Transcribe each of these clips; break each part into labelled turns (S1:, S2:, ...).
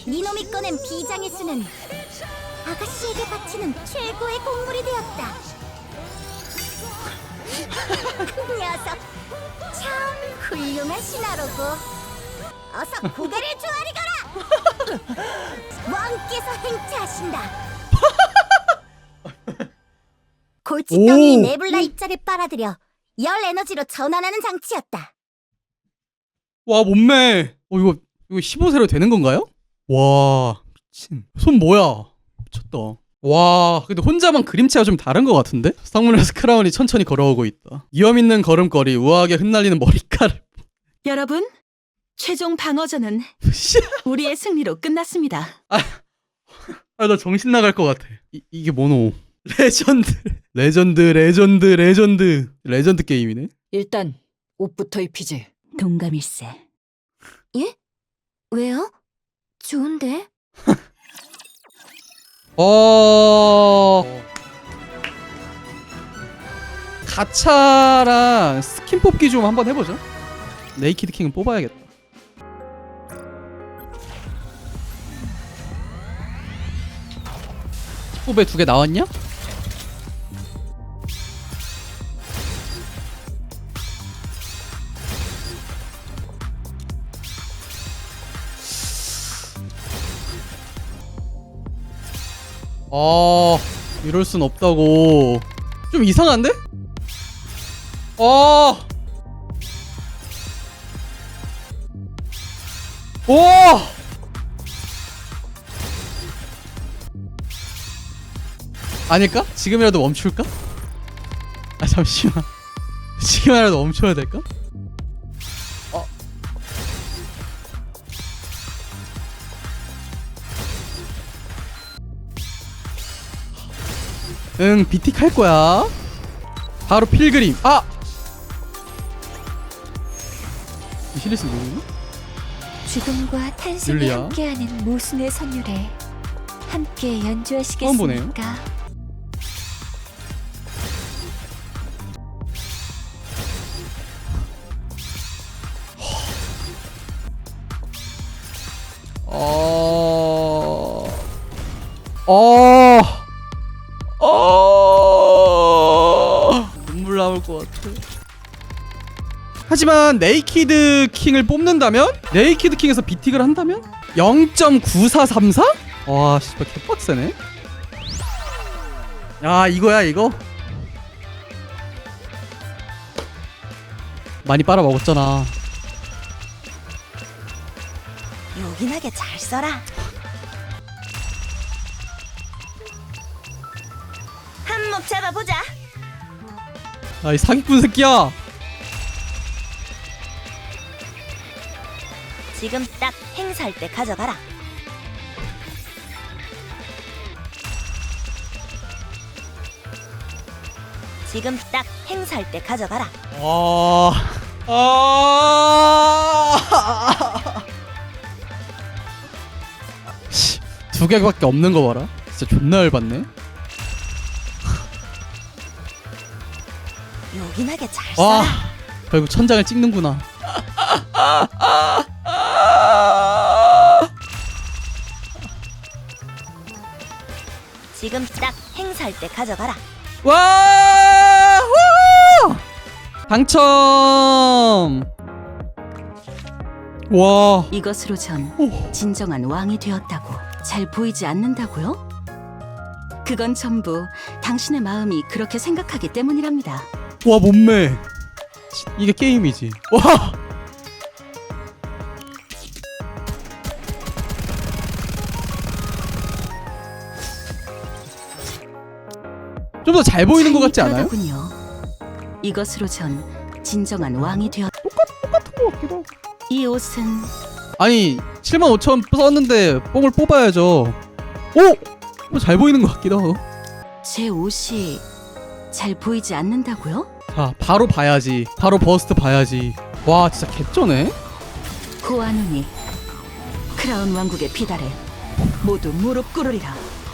S1: 니놈이 꺼낸 비장의 수는 아가씨에게 바치는 최고의 곡물이 되었다. 녀석, 참 훌륭한 신하로고. 어서 고개를 조아리거라. 왕께서 행차하신다. 골칫덩이 네블라 입자를 빨아들여 열 에너지로 전환하는 장치였다.
S2: 와 몸매. 이거 15세로 되는 건가요? 와 미친. 손 뭐야? 미쳤다. 와 근데 혼자만 그림체가 좀 다른 것 같은데? 성문에서 크라운이 천천히 걸어오고 있다. 위험 있는 걸음걸이, 우아하게 흩날리는 머리카락.
S3: 여러분, 최종 방어전은 우리의 승리로 끝났습니다.
S2: 나 정신 나갈 것 같아. 이게 뭐노? 레전드 게임이네.
S4: 일단 옷부터 입히지.
S3: 동감일세.
S1: 예? 왜요? 좋은데?
S2: 가차랑 스킨 뽑기 좀 한번 해보자. 네이키드 킹은 뽑아야겠다. 뽑에 2개 나왔냐? 이럴 순 없다고. 좀 이상한데? 오! 아닐까? 지금이라도 멈출까? 잠시만. 지금이라도 멈춰야 될까? 응, 비틱 할 거야. 바로 필그림. 시리스 누구니?
S1: 죽음과 탄생이
S2: 율리야.
S1: 함께하는 모순의 선율에 함께
S2: 처음
S1: 연주하시겠습니까?
S2: 눈물 나올 것 같아. 하지만 네이키드 킹을 뽑는다면? 네이키드 킹에서 비틱을 한다면? 0.9434? 와 씨발 개빡세네. 야 이거야 이거? 많이 빨아먹었잖아.
S1: 요긴하게 잘 써라. 한몫 잡아보자.
S2: 이 사기꾼 새끼야.
S1: 지금 딱 행사할 때 가져가라. 지금 딱 행사할 때 가져가라.
S2: 씨, 2개밖에 없는 거 봐라. 진짜 존나 열받네.
S1: 요긴하게 잘
S2: 와,
S1: 써라.
S2: 결국 천장을 찍는구나.
S1: 지금 딱 행사할 때 가져가라.
S2: 와! 후! 당첨! 와.
S3: 이것으로 전 진정한 왕이 되었다고 잘 보이지 않는다고요? 그건 전부 당신의 마음이 그렇게 생각하기 때문이랍니다.
S2: 와, 몸매. 이게 게임이지. 와! 좀 더 잘 보이는 것 같지 않아요?
S3: 그러더군요. 이것으로 전 진정한 왕이 되었.
S2: 똑같은 것 같기도 하고.
S3: 이 옷은
S2: 아니 75,000 썼는데 뽕을 뽑아야죠. 오! 잘 보이는 것 같기도 하고.
S3: 제 옷이 잘 보이지 않는다고요?
S2: 자 바로 봐야지. 바로 버스트 봐야지. 와 진짜 개쩌네.
S3: 고아누니 크라운 왕국의 비달에 모두 무릎 꿇으리라.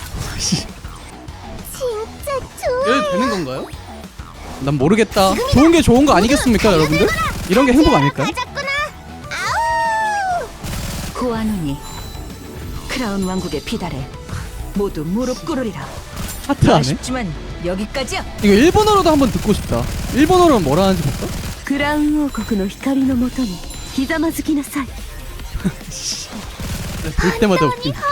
S1: 진짜 좋아.
S2: 이래도 되는 건가요? 난 모르겠다. 좋은 게 좋은 거 아니겠습니까 여러분들? 이런 게 행복 아닐까요?
S1: 가졌구나. 아우.
S3: 고아누니 크라운 왕국의 비달에 모두 무릎 꿇으리라.
S2: 하트 안 해?
S4: 아쉽지만 여기까지야.
S2: 이거 일본어로도 한번 듣고 싶다. 일본어로는 뭐라 하는지 볼까?
S1: クラウン王国の光のもとにひざまずきなさい。
S2: 볼 때마다 웃긴.
S1: 大好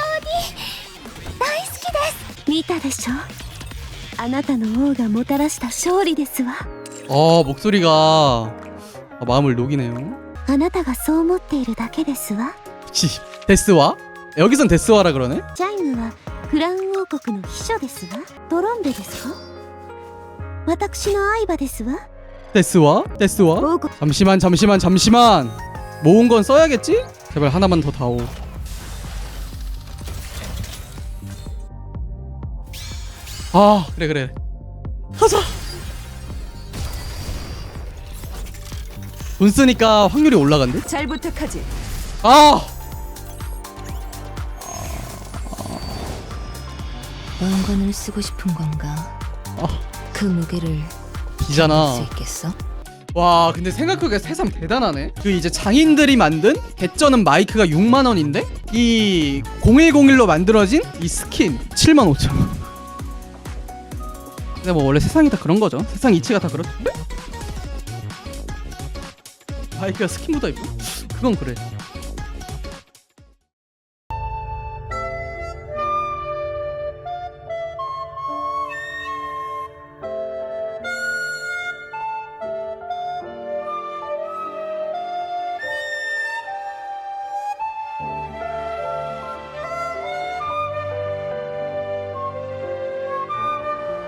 S1: きです。見たでしょ。あなたの王がもたらした勝利ですわ。
S2: 목소리가 마음을 녹이네요.
S1: あなたがそう思っているだけですわ。
S2: 치, 데스와? 여기선 데스와라 그러네?
S1: チャイムはクラウン王国の秘書ですわ。トロンベですか。私の愛馬ですわ。
S2: 데스와? 데스와?
S1: 王国
S2: 잠시만. 모은 건 써야겠지? 제발 하나만 더 다오. 그래. 하자. 돈 쓰니까 확률이 올라간대?
S3: 잘 부탁하지.
S5: 왕관을 쓰고 싶은 건가? 그 무게를
S2: 비잖아.
S5: 수 있겠어?
S2: 와, 근데 생각해보니까 세상 대단하네. 그 이제 장인들이 만든 개쩌는 마이크가 6만 원인데 이 0101로 만들어진 이 스킨 7만 5천 원. 근데 뭐 원래 세상이 다 그런 거죠. 세상 이치가 다 그렇죠. 마이크가 스킨 묻어 있고 그건 그래.